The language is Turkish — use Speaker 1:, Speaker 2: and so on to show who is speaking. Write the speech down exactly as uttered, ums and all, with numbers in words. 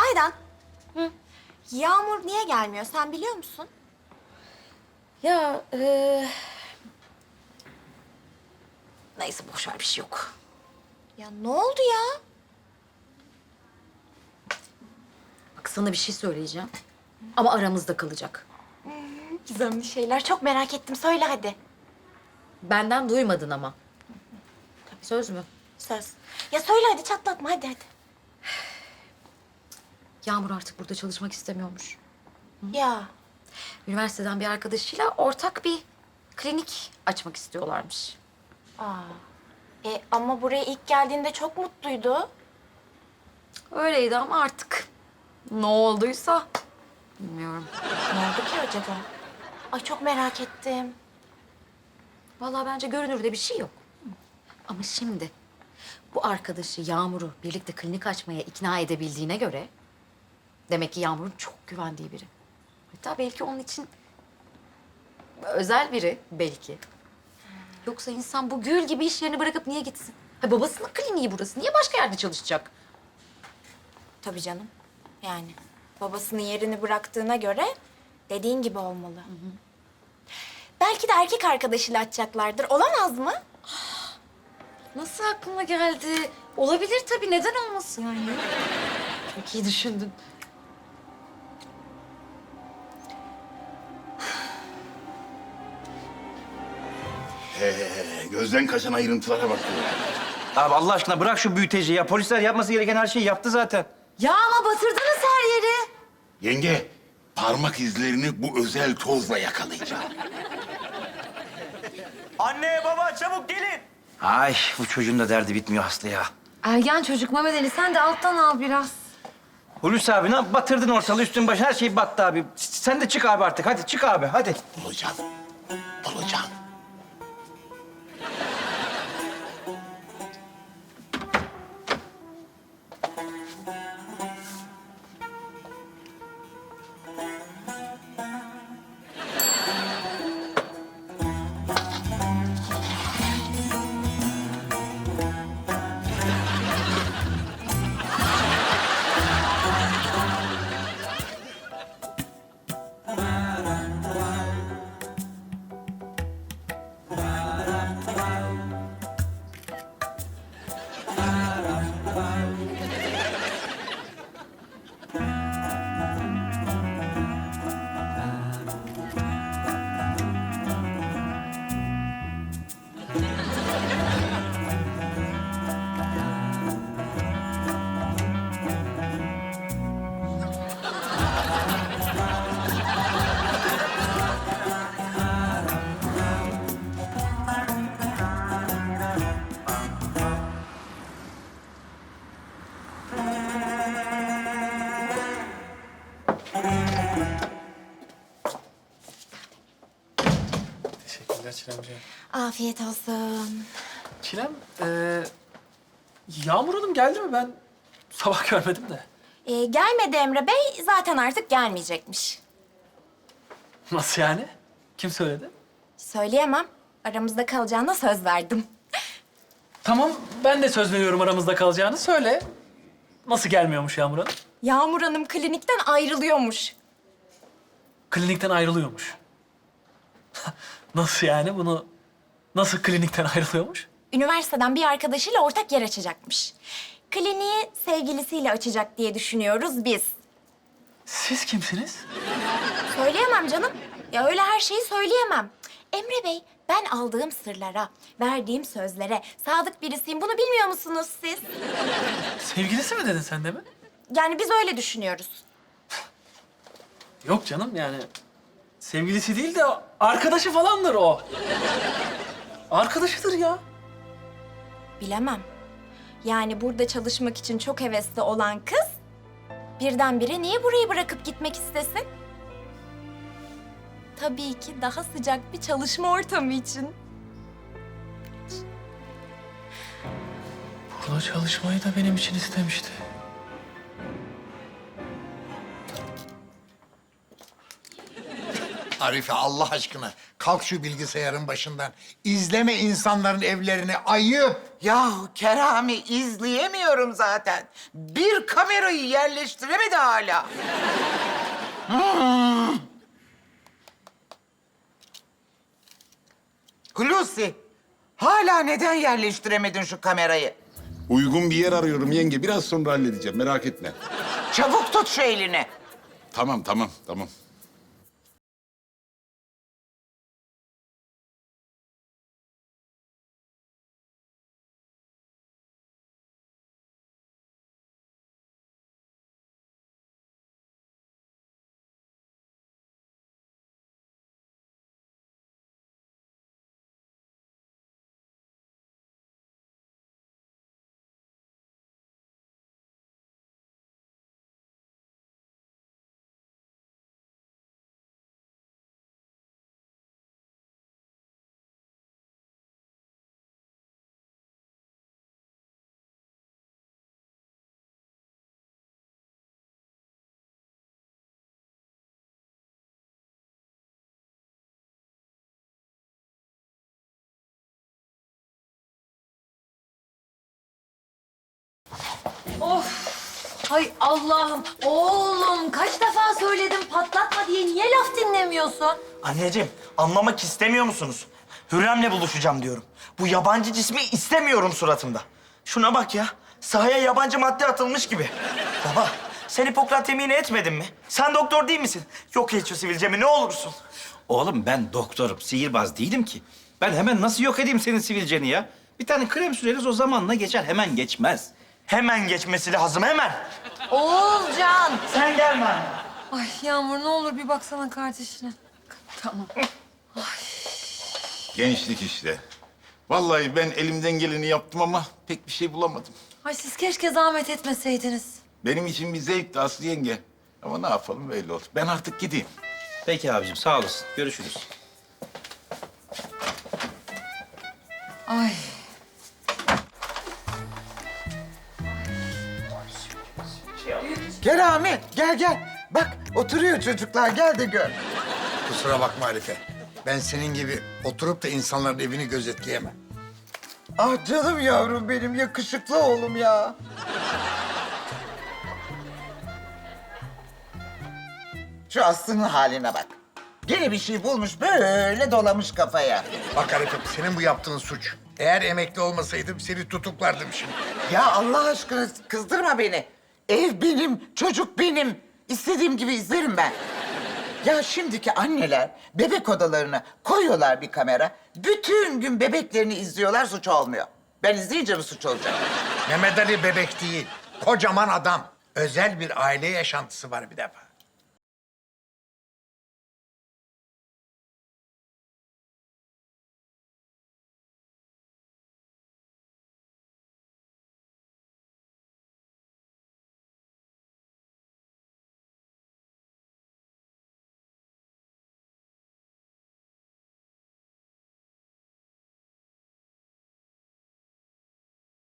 Speaker 1: Aydan. Hı. Yağmur niye gelmiyor sen biliyor musun?
Speaker 2: Ya e... neyse boş ver bir şey yok.
Speaker 1: Ya ne oldu ya?
Speaker 2: Bak sana bir şey söyleyeceğim. Ama aramızda kalacak.
Speaker 1: Gizemli şeyler çok merak ettim. Söyle hadi.
Speaker 2: Benden duymadın ama. Söz mü?
Speaker 1: Söz. Ya söyle hadi çatlatma hadi hadi.
Speaker 2: Yağmur artık burada çalışmak istemiyormuş.
Speaker 1: Ya
Speaker 2: Üniversiteden bir arkadaşıyla ortak bir klinik açmak istiyorlarmış.
Speaker 1: aa. E, ama buraya ilk geldiğinde çok mutluydu.
Speaker 2: Öyleydi ama artık ne olduysa bilmiyorum.
Speaker 1: Ne oldu ki acaba? Ay çok merak ettim.
Speaker 2: Vallahi bence görünürde bir şey yok. Ama şimdi bu arkadaşı Yağmur'u birlikte klinik açmaya ikna edebildiğine göre demek ki Yağmur'un çok güvendiği biri. Hatta belki onun için özel biri belki. Yoksa insan bu gül gibi iş yerini bırakıp niye gitsin? Ha, babasının kliniği burası. Niye başka yerde çalışacak?
Speaker 1: Tabii canım. Yani babasının yerini bıraktığına göre dediğin gibi olmalı. Belki de erkek arkadaşıyla açacaklardır. Olamaz mı?
Speaker 2: Nasıl aklına geldi? Olabilir tabii. Neden olmasın yani? Çok iyi düşündün.
Speaker 3: Ee, gözden kaçan ayrıntılara bak.
Speaker 4: Abi Allah aşkına bırak şu büyüteci ya. Polisler yapması gereken her şeyi yaptı zaten.
Speaker 2: Ya ama batırdınız her yeri.
Speaker 3: Yenge, parmak izlerini bu özel tozla yakalayacağım.
Speaker 4: Anne baba çabuk gelin. Ay bu çocuğun da derdi bitmiyor Aslı ya.
Speaker 2: Ergen çocuk Mehmet Ali. Sen de alttan al biraz.
Speaker 4: Hulusi abi ne yap- batırdın ortalığı üstün başı her şey battı abi. S- Sen de çık abi artık hadi çık abi hadi.
Speaker 3: Bulacağım, bulacağım.
Speaker 5: Teşekkürler Çilemciğim.
Speaker 1: Afiyet olsun.
Speaker 5: Çilem, ee, Yağmur Hanım geldi mi? Ben sabah görmedim de.
Speaker 1: Ee, gelmedi Emre Bey. Zaten artık gelmeyecekmiş.
Speaker 5: Nasıl yani? Kim söyledi?
Speaker 1: Söyleyemem. Aramızda kalacağına söz verdim.
Speaker 5: Tamam, ben de söz veriyorum aramızda kalacağını. Söyle. Nasıl gelmiyormuş Yağmur Hanım?
Speaker 1: Yağmur Hanım klinikten ayrılıyormuş.
Speaker 5: Klinikten ayrılıyormuş. Nasıl yani? Bunu nasıl klinikten ayrılıyormuş?
Speaker 1: Üniversiteden bir arkadaşıyla ortak yer açacakmış. Kliniği sevgilisiyle açacak diye düşünüyoruz biz.
Speaker 5: Siz kimsiniz?
Speaker 1: Söyleyemem canım. Ya öyle her şeyi söyleyemem. Emre Bey, ben aldığım sırlara, verdiğim sözlere sadık birisiyim. Bunu bilmiyor musunuz siz?
Speaker 5: Sevgilisi mi dedin sen de mi?
Speaker 1: Yani biz öyle düşünüyoruz.
Speaker 5: Yok canım yani. Sevgilisi değil de arkadaşı falandır o. Arkadaşıdır ya.
Speaker 1: Bilemem. Yani burada çalışmak için çok hevesli olan kız... birdenbire niye burayı bırakıp gitmek istesin? Tabii ki daha sıcak bir çalışma ortamı için.
Speaker 5: Burada çalışmayı da benim için istemişti.
Speaker 6: Arife Allah aşkına kalk şu bilgisayarın başından. İzleme insanların evlerini, ayıp.
Speaker 7: Yahu Kerami izleyemiyorum zaten. Bir kamerayı yerleştiremedi hala. Hmm. Hulusi, hala neden yerleştiremedin şu kamerayı?
Speaker 3: Uygun bir yer arıyorum yenge. Biraz sonra halledeceğim. Merak etme.
Speaker 7: Çabuk tut şu elini.
Speaker 3: Tamam, tamam, tamam.
Speaker 2: Hay Allah'ım. Oğlum kaç defa söyledim patlatma diye. Niye laf dinlemiyorsun?
Speaker 8: Anneciğim, anlamak istemiyor musunuz? Hürrem'le buluşacağım diyorum. Bu yabancı cismi istemiyorum suratımda. Şuna bak ya, sahaya yabancı madde atılmış gibi. Baba, sen Hipokrat yemini etmedin mi? Sen doktor değil misin? Yok et şu sivilcemi, ne olursun.
Speaker 4: Oğlum ben doktorum, sihirbaz değilim ki. Ben hemen nasıl yok edeyim senin sivilceni ya? Bir tane krem süreriz o zamanla geçer, hemen geçmez.
Speaker 8: Hemen geçmesi lazım, hemen.
Speaker 2: Oğulcan.
Speaker 8: Sen gelme anne.
Speaker 9: Ay Yağmur ne olur bir baksana kardeşine.
Speaker 3: Gençlik işte. Vallahi ben elimden geleni yaptım ama pek bir şey bulamadım.
Speaker 9: Ay siz keşke zahmet etmeseydiniz.
Speaker 3: Benim için bir zevkti Aslı yenge. Ama ne yapalım böyle oldu. Ben artık gideyim.
Speaker 4: Peki abicim, sağ olasın. Görüşürüz.
Speaker 9: Ay.
Speaker 7: Kerami, gel gel. Bak, oturuyor çocuklar. Gel de gör.
Speaker 6: Kusura bakma Arife. Ben senin gibi oturup da insanların evini gözetleyemem.
Speaker 7: Ah canım yavrum benim, yakışıklı oğlum ya. Şu Aslı'nın haline bak. Gene bir şey bulmuş, böyle dolamış kafaya.
Speaker 6: Bak Arife senin bu yaptığın suç. Eğer emekli olmasaydım seni tutuklardım şimdi.
Speaker 7: Ya Allah aşkına kızdırma beni. Ev benim, çocuk benim. İstediğim gibi izlerim ben. Ya şimdiki anneler bebek odalarına koyuyorlar bir kamera. Bütün gün bebeklerini izliyorlar, suç olmuyor. Ben izleyince mi suç olacak?
Speaker 6: Mehmet Ali bebek değil. Kocaman adam. Özel bir aile yaşantısı var bir defa.